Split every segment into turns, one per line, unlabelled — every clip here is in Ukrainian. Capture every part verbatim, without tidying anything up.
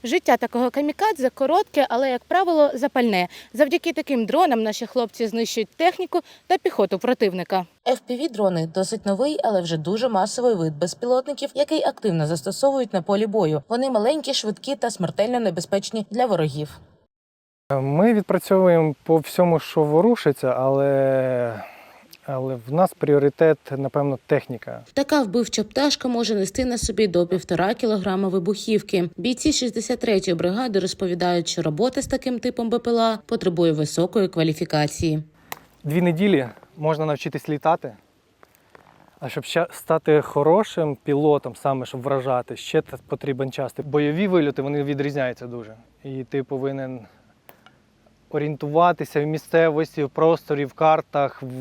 Життя такого камікадзе коротке, але, як правило, запальне. Завдяки таким дронам наші хлопці знищують техніку та піхоту противника. еф пі ві-дрони – досить новий, але вже дуже масовий вид безпілотників, який активно застосовують на полі бою. Вони маленькі, швидкі та смертельно небезпечні для ворогів.
Ми відпрацьовуємо по всьому, що ворушиться, але... але в нас пріоритет, напевно, техніка.
Така вбивча пташка може нести на собі до півтора кілограма вибухівки. Бійці шістдесят третьої бригади розповідають, що робота з таким типом be пе ел а потребує високої кваліфікації.
Дві неділі можна навчитись літати, а щоб ще стати хорошим пілотом, саме щоб вражати, ще потрібен час. Бойові вильоти, вони відрізняються дуже. І ти повинен орієнтуватися в місцевості, в просторі, в картах, в,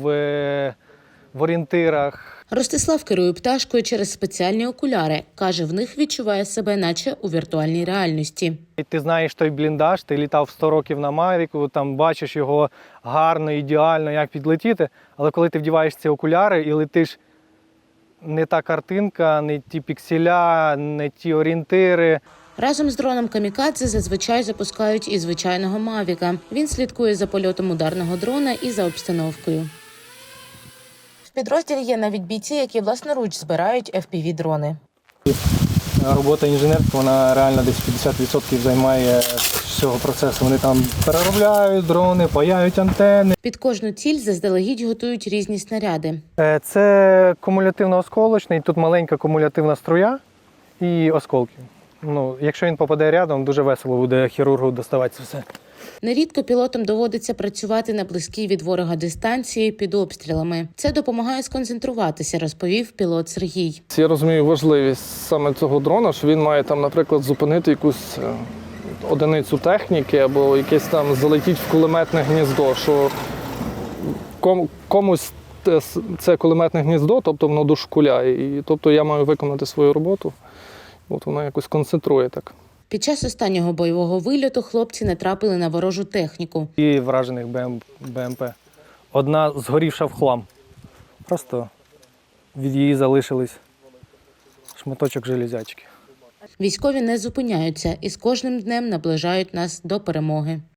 в орієнтирах.
Ростислав керує пташкою через спеціальні окуляри. Каже, в них відчуває себе наче у віртуальній реальності.
І ти знаєш той бліндаж, ти літав сто років на Мавіку, там бачиш його гарно, ідеально, як підлетіти. Але коли ти вдіваєш ці окуляри і летиш, не та картинка, не ті пікселя, не ті орієнтири.
Разом з дроном камікадзе зазвичай запускають і звичайного Мавіка. Він слідкує за польотом ударного дрона і за обстановкою. В підрозділі є навіть бійці, які власноруч збирають еф пі ві-дрони.
Робота інженерка, вона реально десь п'ятдесят відсотків займає всього процесу. Вони там переробляють дрони, паяють антени.
Під кожну ціль заздалегідь готують різні снаряди.
Це кумулятивно-осколочний, тут маленька кумулятивна струя і осколки. Ну, якщо він попаде рядом, дуже весело буде хірургу доставати це все.
Нерідко пілотам доводиться працювати на близькій від ворога дистанції під обстрілами. Це допомагає сконцентруватися, розповів пілот Сергій.
Я розумію важливість саме цього дрона, що він має там, наприклад, зупинити якусь одиницю техніки або якесь там залетіть в кулеметне гніздо, що комусь це кулеметне гніздо, тобто воно дошкуляє. І тобто я маю виконати свою роботу. От воно якось концентрує так.
Під час останнього бойового вильоту хлопці натрапили на ворожу техніку.
І вражених бе ем пе. Одна згорівша в хлам. Просто від її залишились шматочок железячки.
Військові не зупиняються і з кожним днем наближають нас до перемоги.